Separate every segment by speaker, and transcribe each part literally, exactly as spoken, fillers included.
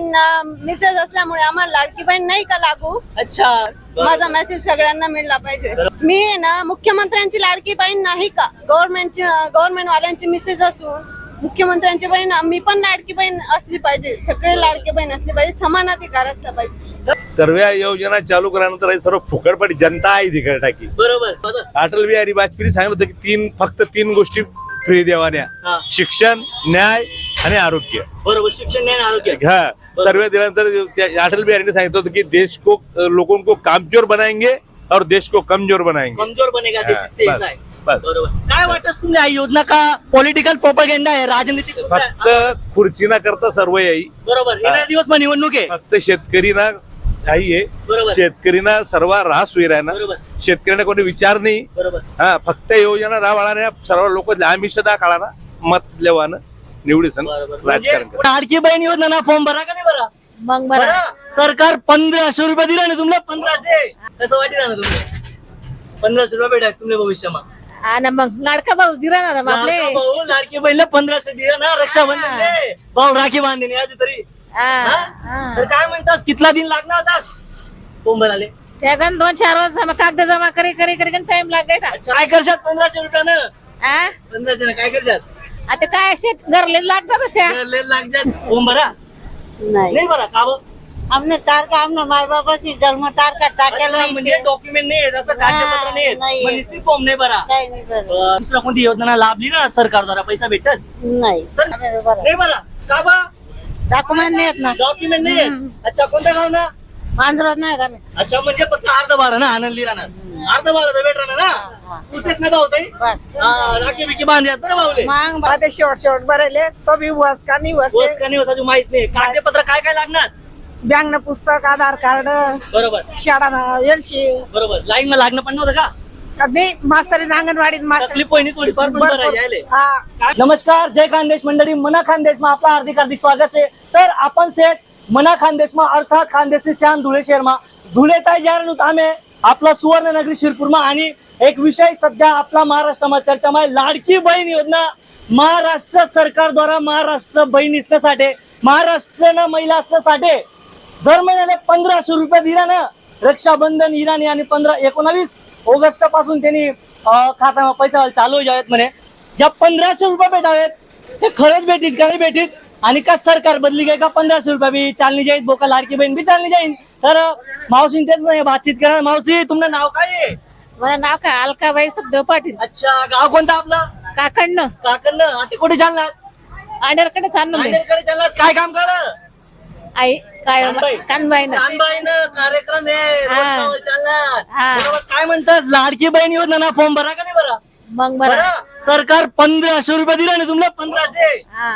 Speaker 1: बहीण मेसेज असल्यामुळे आम्हाला लाडकी बहीण नाही का लागू.
Speaker 2: अच्छा,
Speaker 1: माझा मेसेज सगळ्यांना मिळला पाहिजे. मी आहे ना मुख्यमंत्र्यांची लाडकी बहीण नाही का, गव्हर्नमेंटची गव्हर्नमेंट वाल्यांची मेसेज असून मुख्यमंत्र्यांची बहीण मी पण लाडकी बहीण असली पाहिजे. सगळे लाडकी बहीण असली पाहिजे, समान अधिकार असला पाहिजे.
Speaker 3: सर्व योजना चालू केल्यानंतर हे सर्व फुकटपडी जनता आहे तिकडे टाकी.
Speaker 2: बरोबर.
Speaker 3: अटल बिहारी वाजपेयी सांगितलं होतं की तीन फक्त तीन गोष्टी फ्री देवान्या,
Speaker 2: हा.
Speaker 3: शिक्षण, न्याय आणि आरोग्य.
Speaker 2: बरोबर, शिक्षण न्याय आरोग्य.
Speaker 3: हा, सर्व दिल्यानंतर त्या अटल बिहारी ने सांगितलं होतं की देश को लोगों को कामचोर बनाएंगे और देश को कमजोर बनाएंगे.
Speaker 2: कमजोर बनेगा देश
Speaker 3: हा,
Speaker 2: इससे
Speaker 3: बस,
Speaker 2: ऐसा है.
Speaker 3: बस.
Speaker 2: बरोबर. काय वाटत तुम्हाला या योजना का पॉलिटिकल प्रोपगेंडा आहे, राजनीतिक मुद्दा आहे?
Speaker 3: फक्त खुर्ची ना करता सर्व येई.
Speaker 2: बरोबर. येणारे दिवस मग निवडणूक आहे.
Speaker 3: फक्त शेतकरी ना काही आहे,
Speaker 2: बरोबर.
Speaker 3: शेतकरीना सर्व रास होई राहणार.
Speaker 2: बरोबर.
Speaker 3: शेतकऱ्यांना कोणी विचार नाही.
Speaker 2: बरोबर.
Speaker 3: हा, फक्त योजना राबवणाऱ्या सर्व लोक आमिष दाखला मत लेवानं निवडी सण राजकारण करा.
Speaker 2: लाडकी बहीण योजना ना फॉर्म भरा का नाही भरा?
Speaker 1: मग
Speaker 2: बरं. सरकार पंधराशे रुपये दिला ना तुम्हाला, पंधराशे कसं वाटेल ना तुम्हाला? पंधराशे रुपये भेटा तुम्ही भविष्यात.
Speaker 1: हा ना, मग लाडका भाऊ दिला ना आपले.
Speaker 2: लाडका भाऊ लाडकी बहिणीला पंधराशे दिला ना, रक्षाबंधन भाऊ राखी बांधणे आज तरी. हा? तर काय म्हणतात, कितला दिन लागणार होता फॉर्म भराले?
Speaker 1: त्यागन दोन चार वर्ष कागद जमा करे करे करे टाइम लागायचा.
Speaker 2: अच्छा, काय करशात पंधराशे रुपयानं?
Speaker 1: आ?
Speaker 2: पंधराशे काय करशात?
Speaker 1: आता काय शेत घरले लागतात अशा.
Speaker 2: लागतात फॉर्म भरा
Speaker 4: नाही
Speaker 2: नाही भरा का बरं?
Speaker 4: आमने तारखा आमने माय बाबाची जन्म तारखा टाकेल
Speaker 2: अच्छा, म्हणजे डॉक्युमेंट नाही आहेत, असं कागदपत्र नाही आहेत.
Speaker 4: नाही.
Speaker 2: मग नुसती फॉर्म नाही भरा.
Speaker 4: काही नाही बरं.
Speaker 2: अं, दुसरा कोणती योजना लाभली ना सरकार द्वारा पैसा भेटतच
Speaker 4: नाही
Speaker 2: तर नाही भरा का बा?
Speaker 4: डॉक्युमेंट नाही येत ना.
Speaker 2: डॉक्युमेंट नाही आहेत. अच्छा, कोणत्या गाव ना?
Speaker 4: मांजरात नाही का नाही.
Speaker 2: अच्छा, म्हणजे फक्त अर्ध भाडं ना आनंदी राहणार, अर्ध भाडं तर भेट राहणार ना. पुसेत ना भाऊ ताई.
Speaker 4: बस.
Speaker 2: हा, राखी बिकी बांधल्यात ना भाऊले.
Speaker 4: मग आता शेवट शेवट भरायले तो बी वस का नाही वस
Speaker 2: वस का नाही वसाची माहित नाही. कागदपत्र काय काय लागणार?
Speaker 4: बँक पुस्तक आधार कार्ड
Speaker 2: बरोबर.
Speaker 4: शाळा एलशी
Speaker 2: बरोबर. लाईन मध्ये लागणं पण नव्हतं का?
Speaker 4: नाही मास्तरी अंगणवाडीत मास्तर
Speaker 2: तकलीफ पहिली थोडीफार पण भरायची आहे.
Speaker 4: हा
Speaker 2: काय- नमस्कार, जय खानदेश मंडळी, मना खानदेश में आपला हार्दिक हार्दिक स्वागत है. तर आपण से मना खानदेश में अर्थात खानदेश से शान धुळे शहर में धुळे ताई जा आम्ही आपला सुवर्ण नगरी शिरपूर में आणि एक विषय सध्या आपला महाराष्ट्रामध्ये चर्चामध्ये लाडकी बहीण योजना महाराष्ट्र सरकार द्वारा महाराष्ट्र बहीण असण्यासाठी महाराष्ट्र महिला असण्यासाठी दर महिन्याला पंधराशे रुपये दिला ना रक्षाबंधन इराणी आणि पंधरा एकोणावीस ऑगस्ट पासून त्यांनी खात्यामध्ये पैसा चालू जावेत म्हणे. ज्या पंधराशे रुपये भेटावेत ते खरंच भेटीत का नाही भेटीत आणि का सरकार बदली गई का पंधराशे रुपये भी चालनी जाईल बोका लाडकी बहीण भी चालनी जाईल. तर मावशी तेच नाही बातचीत करा. मावशी तुमचं नाव काय आहे?
Speaker 1: मला नाव काय अलकाबाई सुखदेव पाटील.
Speaker 2: अच्छा, गाव कोणतं आपलं?
Speaker 1: काकडनं
Speaker 2: काकण. आता कुठे चालणार?
Speaker 1: आंडेरकडे चाललो मी.
Speaker 2: नांदेडकडे चालणार. काय काम करा?
Speaker 1: आई काय
Speaker 2: कानबाई.
Speaker 1: कानबाईनं
Speaker 2: कानबाईनं कार्यक्रम आहे
Speaker 1: हा.
Speaker 2: रोजगार चालणार.
Speaker 1: हा.
Speaker 2: बरोबर. काय म्हणतात, लाडकी बहीण योजना ना फॉर्म भरा का नाही भरा?
Speaker 1: मग बरं.
Speaker 2: बरं. सरकार पंधराशे रुपये दिला ना तुम्हाला, पंधराशे
Speaker 1: हा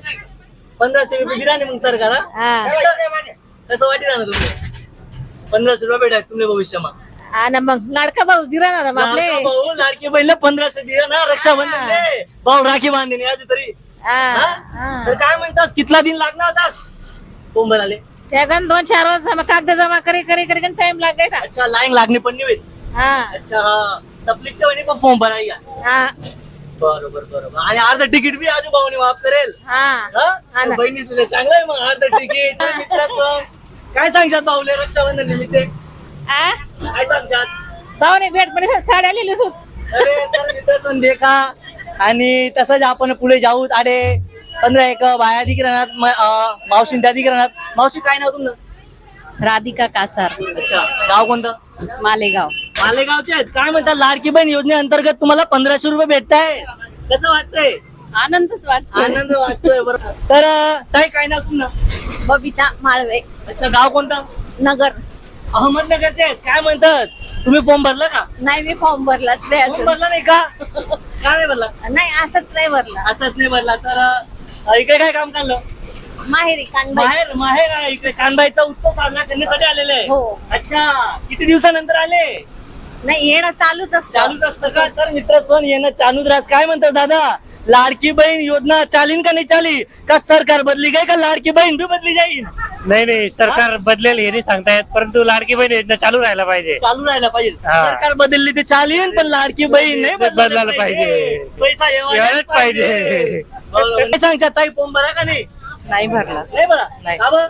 Speaker 2: पंधराशे रुपये दिला नाही मग सरकार. हा?
Speaker 1: हा
Speaker 2: कसं वाटेल ना तुम्ही? पंधराशे रुपये भेटा तुम्ही भविष्यात.
Speaker 1: हा ना, मग लाडका भाऊ दिला ना आपले.
Speaker 2: लाडका भाऊ लाडकी बहिणीला पंधराशे दिला ना रक्षाबंधन भाऊ राखी बांधणे आज तरी.
Speaker 1: हा
Speaker 2: हा?
Speaker 1: हा.
Speaker 2: तर काय म्हणतात, कितला दिन लागणार होता फॉर्म भराले?
Speaker 1: त्यागन दोन चार वर्ष कागद जमा करे करे करे टाइम लागायचा.
Speaker 2: अच्छा, लाईन लागणे पण नाही होईल.
Speaker 1: हा
Speaker 2: अच्छा, हा तकलीफ तर पण फॉर्म भरायला.
Speaker 1: हा
Speaker 2: बरोबर बरोबर. आणि अर्ध तिकीट बी आजूबाजूने माफ करेल.
Speaker 1: हा
Speaker 2: हा?
Speaker 1: हा ना.
Speaker 2: बहिणीचं चांगलं आहे मग अर्ध तिकीट. मित्राचं काय सांगशात भाऊले रक्षाबंधन निमित्त?
Speaker 1: आ?
Speaker 2: काय सांगशात?
Speaker 1: भाऊने भेट पण साड्या लिहिली सुट.
Speaker 2: अरे तर मित्रासन देखा आणि तसंच आपण पुढे जाऊ. अरे पंधरा एक बाया अधिकरणात मावशी त्या अधिकरणात. मावशी काय नाव तुमचं?
Speaker 1: राधिका कासार,
Speaker 2: अच्छा, गाव कोणतं?
Speaker 1: मालेगाव.
Speaker 2: मालेगावचे आहेत. काय म्हणतात, लाडकी बहीण योजनेअंतर्गत तुम्हाला पंधराशे रुपये भेटताय, कसं वाटतंय?
Speaker 1: आनंदच वाटतो.
Speaker 2: आनंद वाटतोय. बरोबर. तर अं, ताई काय नाव तुमचं?
Speaker 1: बबिता माळवे,
Speaker 2: अच्छा, गाव कोणतं?
Speaker 1: नगर.
Speaker 2: अहमदनगरचे आहेत. काय म्हणतात, तुम्ही फॉर्म भरला का?
Speaker 1: नाही, मी फॉर्म भरलाच नाही
Speaker 2: फॉर्म
Speaker 1: अजून.
Speaker 2: भरला नाही का? का नाही भरला?
Speaker 1: नाही, असंच नाही भरला.
Speaker 2: असंच नाही भरला. तर अं, इकडे काय काम काढलं?
Speaker 1: माहेरी कानबाई.
Speaker 2: माहेर माहेर आहे इकडे. कानबाईचा उत्सव साजरा करण्यासाठी आलेले आहे.
Speaker 1: हो.
Speaker 2: अच्छा, किती दिवसानंतर आले?
Speaker 1: नाही, येणं चालूच असतं.
Speaker 2: चालूच असतं का? तर मित्र सोन येणं चालूच राहत. काय म्हणतात दादा, लाडकी बहीण योजना चालीन का नाही चाली? का सरकार बदली गई का लाडकी बहीण भी बदली जाईल?
Speaker 5: नाही नाही, सरकार बदलेल हे नाही सांगतायत, परंतु लाडकी बहीण योजना चालू राहायला पाहिजे.
Speaker 2: चालू राहायला पाहिजे.
Speaker 5: हा.
Speaker 2: सरकार बदलली ते चालीन पण लाडकी बहीण नाही
Speaker 5: बदलायला पाहिजे.
Speaker 2: पैसा
Speaker 5: यायलाच
Speaker 2: यायलाच
Speaker 5: पाहिजे.
Speaker 2: पाहिजे. बरोबर. काय सांगता ताई, फॉर्म भरा का नाही?
Speaker 1: नाही भरला.
Speaker 2: नाही बरा.
Speaker 1: नाही.
Speaker 2: का बरं?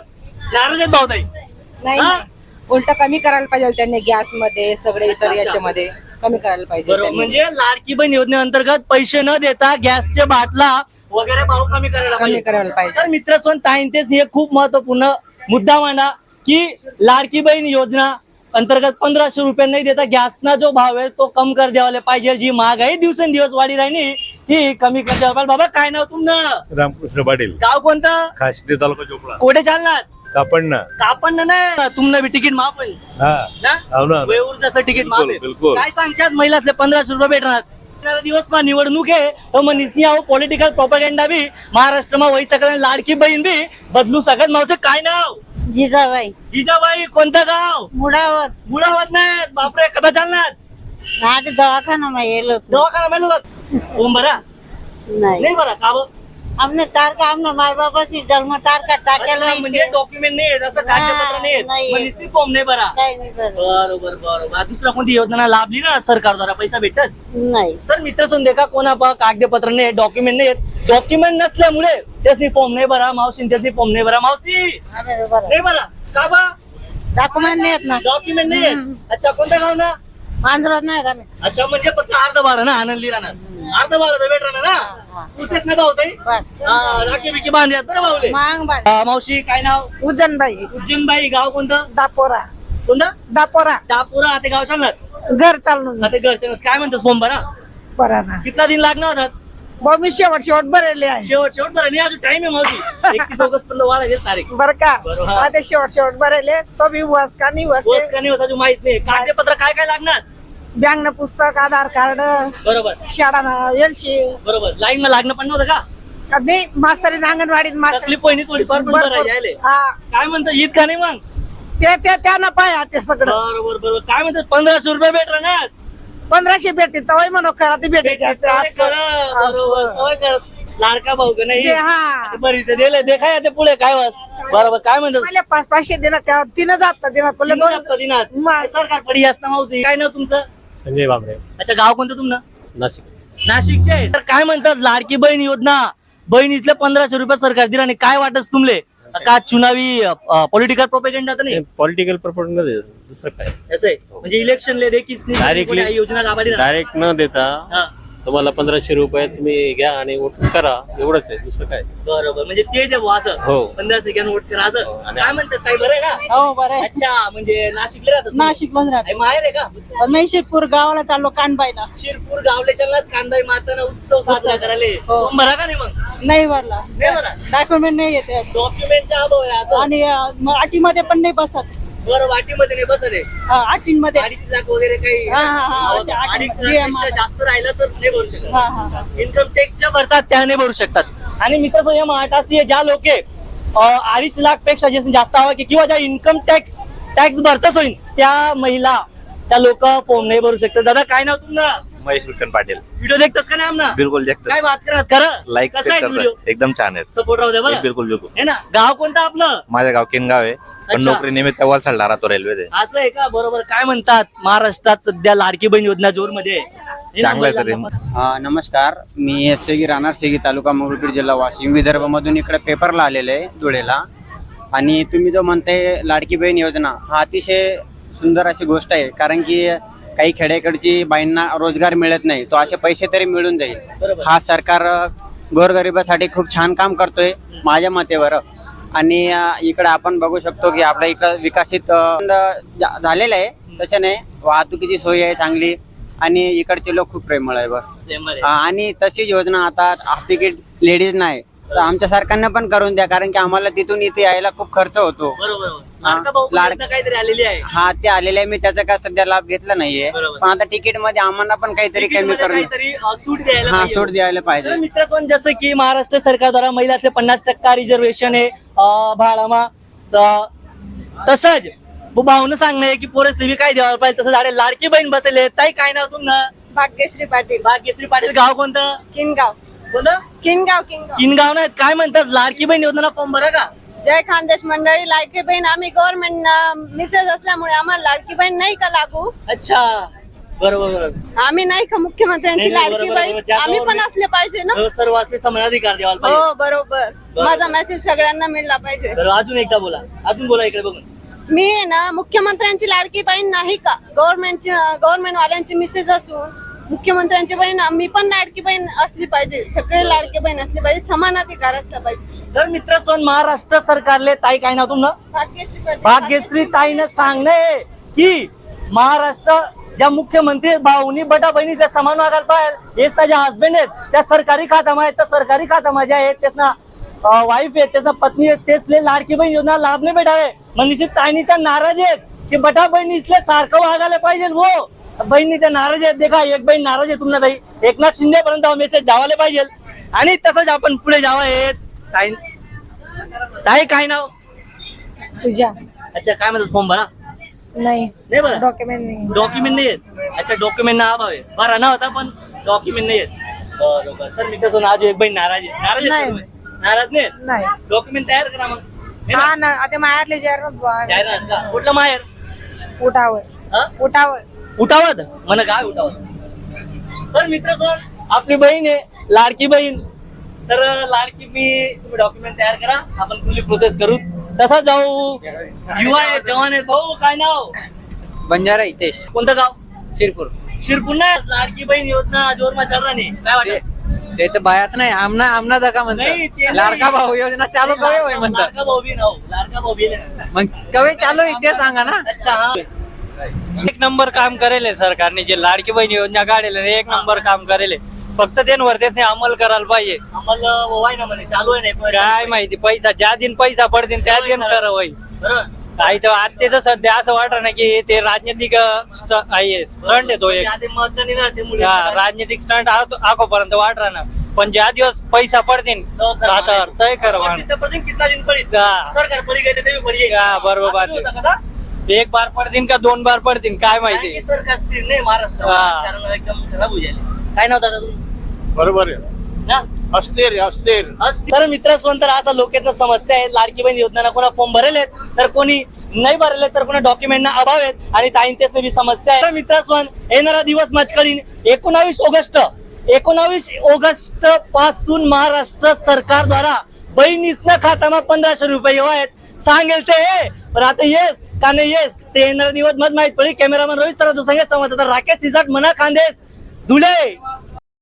Speaker 2: नाराज आहेत भाऊ ताई
Speaker 6: नाही
Speaker 2: हा?
Speaker 6: उलट कमी करायला पाहिजे त्यांनी गॅस मध्ये सगळे इतर याच्यामध्ये कमी करायला पाहिजे
Speaker 2: बरोबर
Speaker 6: त्यांनी.
Speaker 2: म्हणजे लाडकी बहीण योजनेअंतर्गत पैसे न देता गॅसचे बाटला वगैरे भाव कमी करायला
Speaker 6: कमी
Speaker 2: पाहिजे.
Speaker 6: करायला पाहिजे
Speaker 2: तर मित्र ताईंतेच हे खूप महत्वपूर्ण मुद्दा मांडा की लाडकी बहीण योजना अंतर्गत पंधराशे रुपये नाही देता गॅसना जो भाव आहे तो कम कर द्यायला पाहिजे. जी महागाई दिवसेंदिवस वाढी राहिली ती कमी कर द्यायला पाहिजे. बाबा काय नाव तुमनं?
Speaker 3: रामकृष्ण पाटील,
Speaker 2: गाव कोणतं?
Speaker 3: खासदी तालुका चोपडा,
Speaker 2: कोठे चालणार?
Speaker 3: कापडना.
Speaker 2: कापण ना तुमनं बी तिकीट माफ आहे
Speaker 3: हा
Speaker 2: ना?
Speaker 3: हो ना.
Speaker 2: वेऊर जसं तिकीट माफ आहे.
Speaker 3: बिलकुल.
Speaker 2: काय सांगतात महिलातले पंधराशे रुपये भेटणार? येणारा दिवस मा निवडणूक आहे तर मग निसनी आहो पॉलिटिकल प्रोपेगेंडा बी महाराष्ट्रमा वही सकत आणि लाडकी बहीण बी बदलू सकत. मावसे काय नाव?
Speaker 4: जिजाबाई
Speaker 2: जिजाबाई कोणतं गाव?
Speaker 4: मुडावत
Speaker 2: मुळावत नाही बापरे कदा चालणार?
Speaker 4: आधी दवाखाना में येलो
Speaker 2: दवाखाना मेलो ओम बरा
Speaker 4: नाही
Speaker 2: नाही बरा का बरं?
Speaker 4: हमने तार का हमने माय बापाशी जन्म तार का टाकेल
Speaker 2: अच्छा,
Speaker 4: नाही
Speaker 2: म्हणजे डॉक्युमेंट नाही आहेत, असं कागदपत्र नाही आहेत.
Speaker 4: नाही.
Speaker 2: मग नुसती फॉर्म नाही बरा.
Speaker 4: काही नाही बरं.
Speaker 2: बरोबर बरोबर. दुसरा कोणती योजना लाभली ना सरकार द्वारा पैसा भेटस?
Speaker 4: नाही
Speaker 2: तर मित्र समजे का कोणा पा कागदपत्र नाही डॉक्युमेंट नाही डॉक्युमेंट नसल्यामुळे त्यासनी फॉर्म नाही भरा. मावशी त्याची फॉर्म नाही भरा. मावशी नाही भरा का बा?
Speaker 4: डॉक्युमेंट नाही आहेत ना
Speaker 2: डॉक्युमेंट नाही आहेत. अच्छा कोणतं गाव ना?
Speaker 4: आंध्रात नाही का नाही?
Speaker 2: अच्छा म्हणजे फक्त अर्ध बारा ना आनंदली राहणार अर्ध बारा तर भेट राहणार ना पुसेत नाही भाऊ ताई
Speaker 4: बरं.
Speaker 2: राखी बिकी बांधल्यात बरं भाऊले.
Speaker 4: मांग बाळ
Speaker 2: हा, मावशी काय नाव?
Speaker 6: उज्जैनबाई
Speaker 2: उज्जैनबाई गाव कोणतं?
Speaker 6: दापोरा
Speaker 2: कोणतं?
Speaker 6: दापोरा
Speaker 2: डापुरा आता गाव चालणार
Speaker 6: घर चालून
Speaker 2: आता घरच्या काय म्हणतात फॉर्म भरा
Speaker 6: बरा ना
Speaker 2: कितना दिन लागणार होतात?
Speaker 6: भाऊ मी शेवट शेवट भरले आहे
Speaker 2: शेवट शेवट बरं नाही अजून टाइम आहे मावशी एकतीस ऑगस्ट पर्यंत वाढ आहे तारीख.
Speaker 6: बर का
Speaker 2: बरोबर.
Speaker 6: हा, ते शेवट शेवट भरले तो बी वस का नाही वस
Speaker 2: बस का नाही होत अजून माहित नाही. कागदपत्र काय काय लागणार?
Speaker 6: बँक पुस्तक आधार कार्ड
Speaker 2: बरोबर
Speaker 6: शाळा एलशी
Speaker 2: बरोबर. लाईन ला लागणं पण नव्हतं का?
Speaker 6: का नाही मास्तरी अंगणवाडीत मास्तर
Speaker 2: तकलीफ पहिली थोडीफार पण बरं यायले.
Speaker 6: हा
Speaker 2: काय म्हणतात ईद का नाही मग?
Speaker 6: ते ते त्यानं पाया ते सगळं
Speaker 2: बरोबर बरोबर. काय म्हणतात पंधराशे रुपये भेट राहणार?
Speaker 6: पंधराशे भेटते तवय म्हणू खरा ते भेटे
Speaker 2: ते खरं, बरोबर. होय खरं. लाडका भाऊ का नाही
Speaker 6: हा
Speaker 2: बरी ते दिले देखाय ते पुढे काय वास बरोबर. काय म्हणतात
Speaker 6: मला पाच पाचशे दिनात त्या तीन जात दिनात पडले
Speaker 2: तीन
Speaker 6: दोन
Speaker 2: हप्ता दिनात
Speaker 6: मा-
Speaker 2: सरकार पडी असतं मावशी. काय नाव तुमचं?
Speaker 7: संजय बाबरे,
Speaker 2: अच्छा गाव कोणतं तुमनं?
Speaker 7: नाशिक.
Speaker 2: नाशिकचे. तर काय म्हणतात लाडकी बहीण योजना बहिणीतले पंधराशे रुपये सरकार दिला आणि काय वाटत तुमले का चुनावी पॉलिटिकल प्रोपेगेंडा तर नाही
Speaker 7: पॉलिटिकल प्रपोजल दुसरं काय
Speaker 2: असं आहे म्हणजे इलेक्शन ले देखील
Speaker 7: Directly.
Speaker 2: योजना लाभारी राहणार.
Speaker 7: डायरेक्ट न देता
Speaker 2: हा,
Speaker 7: तुम्हाला पंधराशे रुपये तुम्ही घ्या आणि वोट करा एवढंच आहे दुसरं काय.
Speaker 2: बरोबर म्हणजे तेच आहे बुवा असं
Speaker 7: हो.
Speaker 2: पंधरा सेकंड वोट करा असं
Speaker 7: आणि-
Speaker 2: काय म्हणतेस काही बरं आहे ना?
Speaker 4: हो बरं आहे.
Speaker 2: अच्छा म्हणजे नाशिकला राहतात तुम्ही?
Speaker 4: नाशिक मध्ये राहते
Speaker 2: आई माहेर आहे का?
Speaker 4: नाही शिरपूर गावाला चाललो कानबाईला
Speaker 2: शिरपूर गावले चलनात कांदाई माताना उत्सव साजरा करायला
Speaker 4: हो.
Speaker 2: फॉर्म भरा का नाही मग?
Speaker 4: नाही भरला
Speaker 2: नाही भरा.
Speaker 4: डॉक्युमेंट नाही येते
Speaker 2: डॉक्युमेंटचा अभाव आहे असं.
Speaker 4: आणि अटीमध्ये पण नाही बसत
Speaker 2: बरं वाटीमध्ये नाही बसत आहे.
Speaker 4: अटीमध्ये
Speaker 2: अडीच लाख वगैरे काही
Speaker 4: हा, हा, हा.
Speaker 2: अडीच
Speaker 4: अडीच
Speaker 2: लाखापेक्षा जास्त राहिलं तर नाही भरू शकत.
Speaker 4: हा हा हा
Speaker 2: इन्कम टॅक्सच्या भरतात त्याने भरू शकतात. आणि मित्र या महाटासी ज्या लोक अडीच लाख पेक्षा जास्त हवा की किंवा ज्या इन्कम टॅक्स टॅक्स भरतच होईल त्या महिला त्या लोक फॉर्म नाही भरू शकतात. दादा काय नाव तुमचं?
Speaker 8: महेश विठ्ठल पाटील.
Speaker 2: व्हिडिओ देखतस का नाही आमना?
Speaker 8: बिलकुल
Speaker 2: काय
Speaker 8: देखतो.
Speaker 2: बात करत खरं
Speaker 8: लाईक
Speaker 2: कसा आहे व्हिडिओ?
Speaker 8: एकदम छान आहेत.
Speaker 2: सपोर्ट राहू दे बरं
Speaker 8: बिलकुल बिलकुल.
Speaker 2: है ना. गाव कोणतं आपलं?
Speaker 8: माझ्या गाव किनगाव आहे पण
Speaker 2: अच्छा.
Speaker 8: नोकरी निमित्त वलसाडला राहतो रेल्वेचे.
Speaker 2: असं आहे का? बरोबर. काय म्हणतात महाराष्ट्रात सध्या लाडकी बहीण योजना जोर मध्ये
Speaker 8: चांगलं आहे तरी.
Speaker 9: हा, नमस्कार. मी सेगी राहणार सेगी तालुका मंगळपीर जिल्हा वाशिम विदर्भ मधून इकडे पेपरला आलेले आहे धुळेला. आणि तुम्ही जो म्हणताय लाडकी बहीण योजना हा अतिशय सुंदर अशी गोष्ट आहे कारण की काही खेड्याकडची बाईंना रोजगार मिळत नाही तो असे पैसे तरी मिळून जाईल. हा सरकार गोरगरिबासाठी खूप छान काम करतोय माझ्या मतेवर. आणि इकडे आपण बघू शकतो की आपल्या इकडं विकसित अ, झालेलं आहे तसे नाही. वाहतुकीची सोय आहे चांगली आणि इकडचे लोक खूप प्रेमळ आहे बस. हा, आणि तशीच योजना आता हाफ तिकीट लेडीज नाही तर आमच्या सरकारने पण करून द्या कारण की आम्हाला तिथून इथे यायला खूप खर्च होतो.
Speaker 2: बरोबर. लाडका भाऊ
Speaker 9: लाड-
Speaker 2: योजना काहीतरी आलेली आहे.
Speaker 9: हा, ते आलेले आहे. मी त्याचा काय सध्या लाभ घेतला नाहीये
Speaker 2: बरोबर.
Speaker 9: पण आता तिकीट मध्ये आम्हाला पण काहीतरी कमी
Speaker 2: तिकीटमध्ये
Speaker 9: करून
Speaker 2: काहीतरी अ, सूट द्यायला
Speaker 9: हा
Speaker 2: पाहिजे.
Speaker 9: सूट द्यायला
Speaker 2: तर
Speaker 9: पाहिजे.
Speaker 2: मित्रसोन जसं की महाराष्ट्र सरकार द्वारा महिलातले पन्नास टक्का रिझर्वेशन आहे अ, भाडामा त- तसंच भाऊन सांगणे की पोरस तुम्ही काय द्यायला पाहिजे तसं झाडे लाडकी बहीण बसले ताई काय नाव तुमनं?
Speaker 1: भाग्यश्री पाटील
Speaker 2: भाग्यश्री पाटील. गाव कोणतं?
Speaker 1: किनगाव
Speaker 2: कोणतं?
Speaker 1: किनगाव किनगाव
Speaker 2: किनगाव नाही. काय म्हणतात लाडकी बहीण योजना फॉर्म भरा का?
Speaker 1: जय खानदेश मंडळी लाडकी बहीण आम्ही गव्हर्नमेंट मिसेस असल्यामुळे आम्हाला लाडकी बहीण नाही का लागू.
Speaker 2: अच्छा बरोबर बरोबर
Speaker 1: आम्ही नाही का मुख्यमंत्र्यांची
Speaker 2: नाही, नाही,
Speaker 1: लाडकी
Speaker 2: बरोबर,
Speaker 1: बहीण
Speaker 2: बरोबर. ज्या
Speaker 1: आम्ही पण
Speaker 2: government-
Speaker 1: असले पाहिजे ना
Speaker 2: हो, सर्व असते समान अधिकार द्यायला पाहिजे.
Speaker 1: हो बरोबर माझा मेसेज सगळ्यांना मिळला पाहिजे
Speaker 2: तर अजून एकदा बोला अजून बोला इकडे बघून.
Speaker 1: मी आहे ना मुख्यमंत्र्यांची लाडकी बहीण नाही का गव्हर्नमेंटची गव्हर्नमेंट वाल्यांची मिसेस असून मुख्यमंत्र्यांची बहीण मी पण लाडकी बहीण असली पाहिजे सगळे लाडकी बहीण असली पाहिजे समान अधिकार असला पाहिजे.
Speaker 2: तर मित्र सोन महाराष्ट्र सरकारले ताई काय ना तुमनं
Speaker 1: भाग्यश्री प्रदीप-
Speaker 2: भाग्यश्री ताईनं सांगणे की महाराष्ट्र ज्या मुख्यमंत्री आहेत, भाऊनी बटा बहिणी त्या समान वागायला पाहिजे. हेच ना ज्या हस्बंड आहेत त्या सरकारी खात्यामा आहेत त्या सरकारी खात्यामा ज्या आहेत तेच ना वाईफ आहेत त्याचा पत्नी आहे तेच लाडकी बहीण योजना लाभ नाही भेटावे म्हणजे ताईनी त्या नाराज आहेत की बटा बहिणीसले सारखं वागायला पाहिजे. वो बहिणी त्या नाराज आहेत देखा एक बहीण नाराज आहे तुम्हाला ताई एकनाथ शिंदे पर्यंत मेसेज जावाले पाहिजे. आणि तसंच आपण पुढे जावं आहेत ताई ताई काय नाव
Speaker 6: तुझ्या
Speaker 2: अच्छा काय म्हणतात फॉर्म भरा
Speaker 6: नाही
Speaker 2: नाही बरं
Speaker 6: डॉक्युमेंट नाही
Speaker 2: डॉक्युमेंट नाही आहेत अच्छा डॉक्युमेंट ना अभाव आहे बरं ना होता पण डॉक्युमेंट नाही आहेत बरोबर. तर मी कसं आज एक बहीण नाराज आहे नाराज आहे
Speaker 6: नाही.
Speaker 2: सर्व? नाराज नाही
Speaker 6: नाही
Speaker 2: डॉक्युमेंट तयार करा मग हे ना?
Speaker 6: हा ना आता माहेरले जे
Speaker 2: जाहिरात का? कुठलं माहेर
Speaker 6: उठावर
Speaker 2: हा?
Speaker 6: उठावर
Speaker 2: उठावत म्हण काय उठावत. तर मित्र सर आपली बहीण आहे लाडकी बहीण तर लाडकी मी तुम्ही डॉक्युमेंट तयार करा आपण पुढली प्रोसेस करू तसा जाऊ. युवा आहेत जवान आहेत भाऊ काय नाव
Speaker 9: बंजारा हितेश
Speaker 2: कोणतं गाव
Speaker 9: शिरपूर
Speaker 2: शिरपूर नाही लाडकी बहीण योजना जोरमा चाल रहा नाही काय वाटत
Speaker 9: ते तर बायाच नाही आमना आमना दका
Speaker 2: नाही, ते
Speaker 9: म्हणतात
Speaker 2: नाही.
Speaker 9: लाडका भाऊ योजना चालू कवे होय म्हणतात
Speaker 2: लाडका भाऊ बी नाव लाडका भाऊ बी नाही.
Speaker 9: मग कवे चालू आहे ते सांगा ना.
Speaker 2: अच्छा हा
Speaker 9: एक नंबर काम करेल सरकारने जे लाडकी बहीण योजना काढेल एक नंबर काम करेल फक्त त्यांवर त्याने अंमल करायला पाहिजे.
Speaker 2: आम्हाला वाय ना म्हणे चालू आहे नाही
Speaker 9: काय माहिती पैसा ज्या दिन पैसा पडतील त्या दिन करा होई
Speaker 2: बरोबर
Speaker 9: काही तर आत्तेच सध्या असं वाटत ना की ते राजनीतिक स्ट- आहे स्टंट येतो एक
Speaker 2: आधी मतदानी राहते मुली
Speaker 9: हा, राजनीतिक स्टंट आकोपर्यंत वाट ना पण ज्या दिवस पैसा पडतील हातावर तय कर
Speaker 2: कितना दिन पडी
Speaker 9: हा.
Speaker 2: सरकार पडी गेले ते पडी
Speaker 9: हा, बरोबर. एक बार पडतील का दोन बार पडतील काय माहिती
Speaker 2: सरकार स्थिर नाही महाराष्ट्र
Speaker 9: हा.
Speaker 2: कारण एकदम खराब होऊ जाईल काय नाव दादा तुम्ही
Speaker 3: बरोबर आहे
Speaker 2: ना
Speaker 3: अस्थिर अस्थिर
Speaker 2: तर मित्र तर असा लोकांना समस्या आहे लाडकी बहीण योजना कोणा फॉर्म भरेल आहेत तर कोणी नाही भरले तर कोणा डॉक्युमेंट ना अभाव आहेत आणि ताईंतेच बी समस्या आहे. तर मित्र येणारा दिवस मचकरीन एकोणावीस ऑगस्ट एकोणावीस ऑगस्ट पासून महाराष्ट्र सरकार द्वारा बहिणीसना खात्यामा पंधराशे रुपये येऊ आहेत सांगेल ते पण आता येस का नाही येस ते येणारा दिवस मत माहित पडेल. कॅमेरामॅन रोहित सर संगीत संवाद राकेश सिसाट मना खानदेश धुळे.